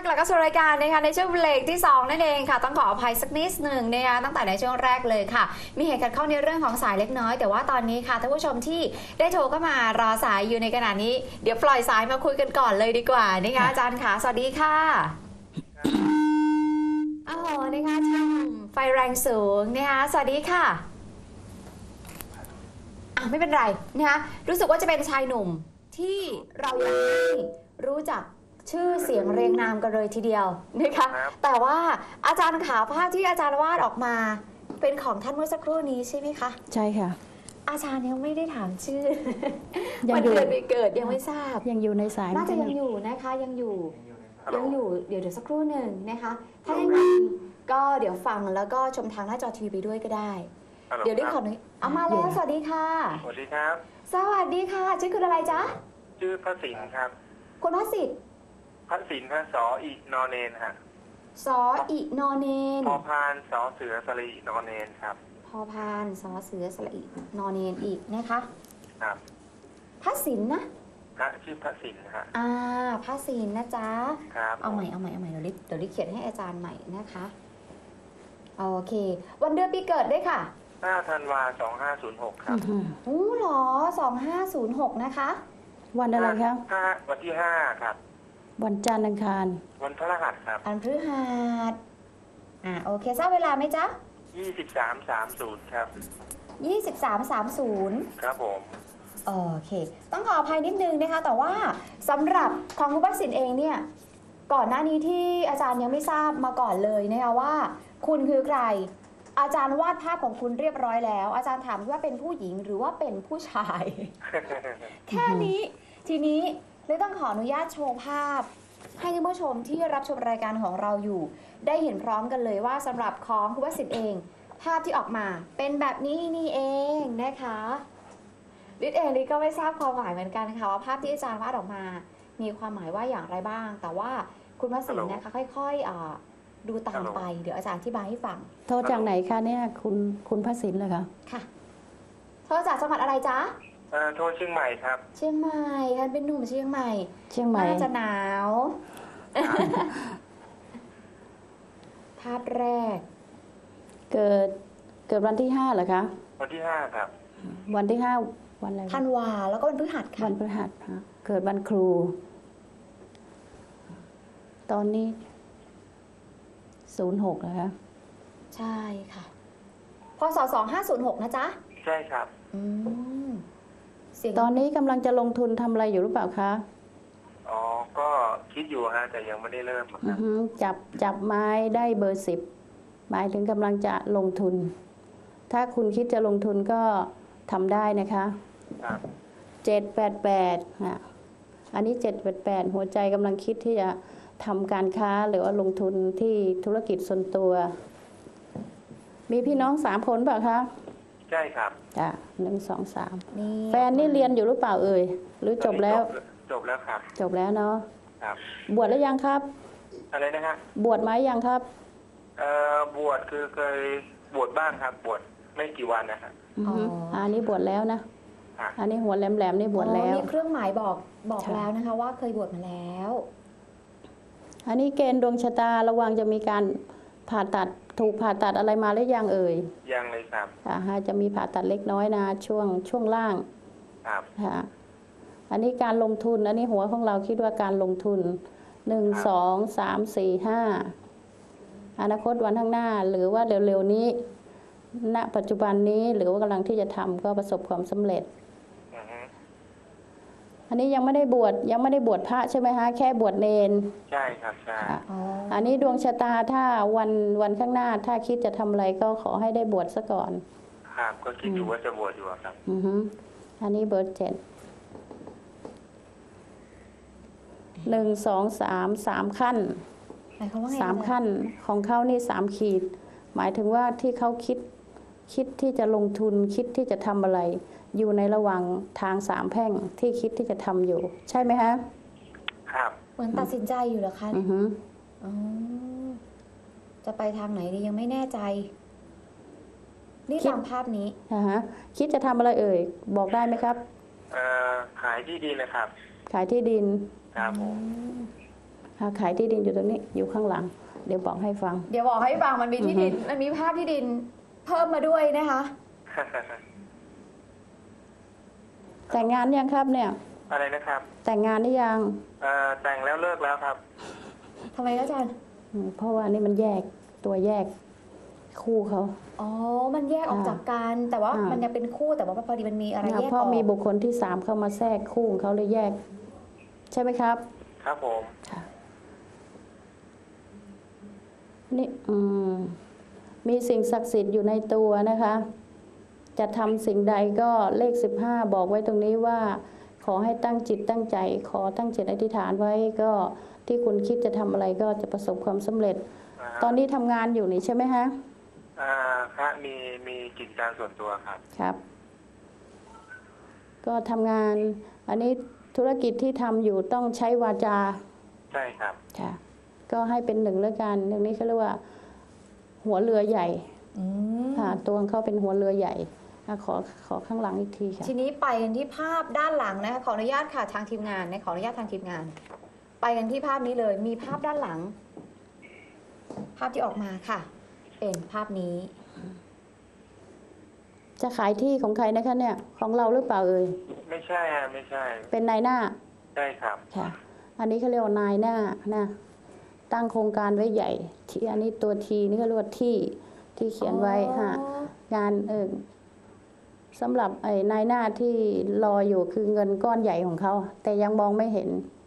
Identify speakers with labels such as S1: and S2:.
S1: ลับเข้าสู่รายการนะคะในช่วงเบรกที่2นั่นเองค่ะต้องขออภัยสักนิดหนึ่งนะคะตั้งแต่ในช่วงแรกเลยค่ะมีเหตุขัดข้องในเรื่องของสายเล็กน้อยแต่ว่าตอนนี้ค่ะท่านผู้ชมที่ได้โทรเข้ามารอสายอยู่ในขณะนี้เดี๋ยวปล่อยสายมาคุยกันก่อนเลยดีกว่านะคะอาจารย์ค่ะสวัสดีค่ะโอ้โหนะคะช่างไฟแรงสูงนะคะสวัสดีค่ะไม่เป็นไรนะคะรู้สึกว่าจะเป็นชายหนุ่มที่เราอยากให้รู้จักชื่อเสียงเรียงนามกันเลยทีเดียวนะคะแต่ว่าอาจารย์ขาภาพที่อาจารย์วาดออกมาเป็นของท่านเมื่อสักครู่นี้ใช่ไหมคะ
S2: ใช่ค่ะ
S1: อาจารย์ยังไม่ได้ถามชื่อวันเดือนปีเกิดยังไม่ทราบ
S2: ยังอยู่ในสาย
S1: น่าจะยังอยู่นะคะยังอยู่เดี๋ยวสักครู่หนึ่งนะคะถ้าอย่างนั้นก็เดี๋ยวฟังแล้วก็ชมทางหน้าจอทีวีไปด้วยก็ได้เดี๋ยวได้ขอหน่อยเอามาแล้วสวัสดีค่ะ
S3: สวัสดีครับ
S1: สวัสดีค่ะชื่อคุณอะไรจ๊ะ
S3: ชื่อพระสินครับ
S1: คุณพระสิทธิ์
S3: พระสินพระสออีนอเนนฮะ
S1: สออีนอเนน
S3: พอพานสอเสือสลีนอเนนครับ
S1: พอพานสอเสือสลีนอเนนอีกนะคะ
S3: ครับ
S1: พระสินนะ
S3: พระชื่อพระสินฮะ
S1: พระสินนะจ๊ะ
S3: ครับ
S1: เอาใหม่เดี๋ยวลิเขียนให้อาจารย์ใหม่นะคะโอเควันเดือนปีเกิดด้วยค่ะ
S3: 5 ธันวาคม 2506ครับ
S1: หรอ2506นะคะ
S2: วันอะไรครับ
S3: วันที่5ครับ
S2: วันจันทร์อังคาร
S3: วันพฤหัสครับ
S1: วันพฤหัสโอเคทราบเวลาไหมจ๊ะ
S3: 23:30ครับ
S1: 23:30
S3: ครับผม
S1: โอเคต้องขออภัยนิดนึงนะคะแต่ว่าสำหรับของคุณวัชสินเองเนี่ยก่อนหน้านี้ที่อาจารย์ยังไม่ทราบมาก่อนเลยนะคะว่าคุณคือใครอาจารย์วาดภาพของคุณเรียบร้อยแล้วอาจารย์ถามว่าเป็นผู้หญิงหรือว่าเป็นผู้ชาย แค่นี้ทีนี้เลยต้องขออนุญาตโชว์ภาพให้ท่านผู้ชมที่รับชมรายการของเราอยู่ได้เห็นพร้อมกันเลยว่าสำหรับของคุณวัชสินเองภาพที่ออกมาเป็นแบบนี้นี่เองนะคะลิศเองลิศก็ไม่ทราบความหมายเหมือนกันค่ะว่าภาพที่อาจารย์วาดออกมามีความหมายว่าอย่างไรบ้างแต่ว่าคุณวัชสินนะคะค่อยๆดูตามไปเดี๋ยวอาจารย์อธิบายให้ฟัง
S2: โทรจากไหนคะเนี่ยคุณพระสินเลยคะ
S1: ค่ะโทรจากจังหวัดอะไรจ๊ะ
S3: โทรเชียงใหม่ครับ
S1: เชียงใหม่ท่านเป็นหนุ่มเชียงใหม่น่าจะหนาวภาพแรก
S2: เกิดวันที่5เหรอคะ
S3: วันที่5ครับ
S2: วันที่5วันอะไร
S1: ธันวาแล้วก็วันพฤหัสค่ะ
S2: วันพฤหัสค่ะเกิดวันครูตอนนี้06นะคะ
S1: ใช่ค่ะพศ2506นะจ๊ะ
S3: ใช่ครับ
S2: ตอนนี้กำลังจะลงทุนทำอะไรอยู่หรือเปล่าคะ
S3: ก็คิดอยู่ฮะแต่ยังไม่ได้เริ่ม
S2: ครับจับไม้ได้เบอร์10หมายถึงกำลังจะลงทุนถ้าคุณคิดจะลงทุนก็ทำได้นะคะ
S3: ครับ
S2: 788อันนี้788หัวใจกำลังคิดที่จะทำการค้าหรือว่าลงทุนที่ธุรกิจส่วนตัวมีพี่น้อง3 คนเปล่าคะ
S3: ใช่ครับ
S2: จ้ะ1 2 3แฟนนี่เรียนอยู่หรือเปล่าเอ่ยหรือจบแล้ว
S3: ครับ
S2: จบแล้วเนาะ
S3: ครับ
S2: บวชแล้วยังครับ
S3: อะไรนะฮะ
S2: บวชไหมยังครับ
S3: บวชคือเคยบวชบ้างครับบวชไม่กี่วันนะครับ
S2: อันนี้บวชแล้วนะอันนี้หัวแหลมๆนี่บวชแล้ว
S1: มีเครื่องหมายบอกแล้วนะคะว่าเคยบวชมาแล้ว
S2: อันนี้เกณฑ์ดวงชะตาระวังจะมีการผ่าตัดถูกผ่าตัดอะไรมาหรือยังเอ่ย
S3: ยังเลยครับ
S2: จะมีผ่าตัดเล็กน้อยนะช่วงล่าง
S3: ครับ
S2: อันนี้การลงทุนอันนี้หัวของเราคิดว่าการลงทุน1 2 3 4 5อนาคตวันข้างหน้าหรือว่าเร็วๆนี้ณปัจจุบันนี้หรือว่ากำลังที่จะทำก็ประสบความสำเร็จอันนี้ยังไม่ได้บวชพระใช่ไหมคะแค่บวชเนร
S3: ใช่ครับใช่
S2: อันนี้ดวงชะตาถ้าวันข้างหน้าถ้าคิดจะทำอะไรก็ขอให้ได้บวชซะก่อน
S3: ครับก็คิดอยู่ว่าจะบวชอยู่ครับ
S2: อันนี้เบอร์7 1 2 3 ขั้น3 ขั้นของเขานี่3 ขีดหมายถึงว่าที่เขาคิดที่จะลงทุนคิดที่จะทำอะไรอยู่ในระหว่างทาง3 แพร่งที่คิดที่จะทำอยู่ใช่ไหมฮะ
S3: ครับ
S1: เหมือนตัดสินใจอยู่เหรอคะจะไปทางไหนดียังไม่แน่ใจนี่ตามภาพนี้
S2: คิดจะทำอะไรเอ่ยบอกได้ไหมครับ
S3: ขายที่ดินนะครับ
S2: ขายที่ดิน
S3: ครับผม
S2: ขายที่ดินอยู่ตรงนี้อยู่ข้างหลัง เดี๋ยวบอกให้ฟัง
S1: เดี๋ยวบอกให้ฟังมันมีที่ดิน มันมีภาพที่ดินเพิ่มมาด้วยนะคะ
S2: แต่งงานยังครับเนี่ย
S3: อะไรนะครับ
S2: แต่งงานหรือยัง
S3: แต่งแล้วเลิกแล้วครับ
S1: ทำไมคะอาจารย์
S2: เพราะว่านี่มันแยกตัวแยกคู่เขา
S1: อ๋อ มันแยกออกจากกัน แต่ว่า
S2: อ่ามั
S1: มันยังเป็นคู่แต่ว่าพอดีมันมีอะไรแยก
S2: เพราะ
S1: ออก
S2: มีบุคคลที่สามเข้ามาแทรกคู่ของเขาเลยแยก ใช่ไหมครับ
S3: ครับผม
S2: นี่มีสิ่งศักดิ์สิทธิ์อยู่ในตัวนะคะ จะทำสิ่งใดก็เลข15บอกไว้ตรงนี้ว่า ขอให้ตั้งจิตตั้งใจ ขอตั้งจิตอธิษฐานไว้ก็ที่คุณคิดจะทำอะไรก็จะประสบความสำเร็จ ตอนนี้ทำงานอยู่นี่ใช่ไหมฮะ
S3: ครับมีกิจการส่วนตัวครับ
S2: ครับ ก็ทำงาน อันนี้ธุรกิจที่ทำอยู่ต้องใช้วาจา
S3: ใช่ครับ
S2: ค่ะ ก็ให้เป็นหนึ่งแล้วกันเรื่องนี้เขาเรียกว่า หัวเรือใหญ่
S1: อืม
S2: ค่ะตัวของเขาเป็นหัวเรือใหญ่ขอข้างหลังอีกทีค่ะ
S1: ทีนี้ไปกันที่ภาพด้านหลังนะคะขออนุญาตค่ะทางทีมงานนะขออนุญาตทางทีมงาน ไปกันที่ภาพนี้เลย มีภาพด้านหลัง ภาพที่ออกมาค่ะ เป็นภาพนี้
S2: จะขายที่ของใครนะคะเนี่ย ของเราหรือเปล่าเอ่ย
S3: ไม่ใช่ฮะไม่ใช่
S2: เป็นนายหน้า
S3: ใช่ครับ
S2: ค่ะ อันนี้เขาเรียกว่านายหน้านะตั้งโครงการไว้ใหญ่ที่อันนี้ตัวทีนี่เขาเรียกว่าที่เขียนไว้ฮะงานสำหรับไอ้นายหน้าที่รออยู่คือเงินก้อนใหญ่ของเขา แต่ยังมองไม่เห็น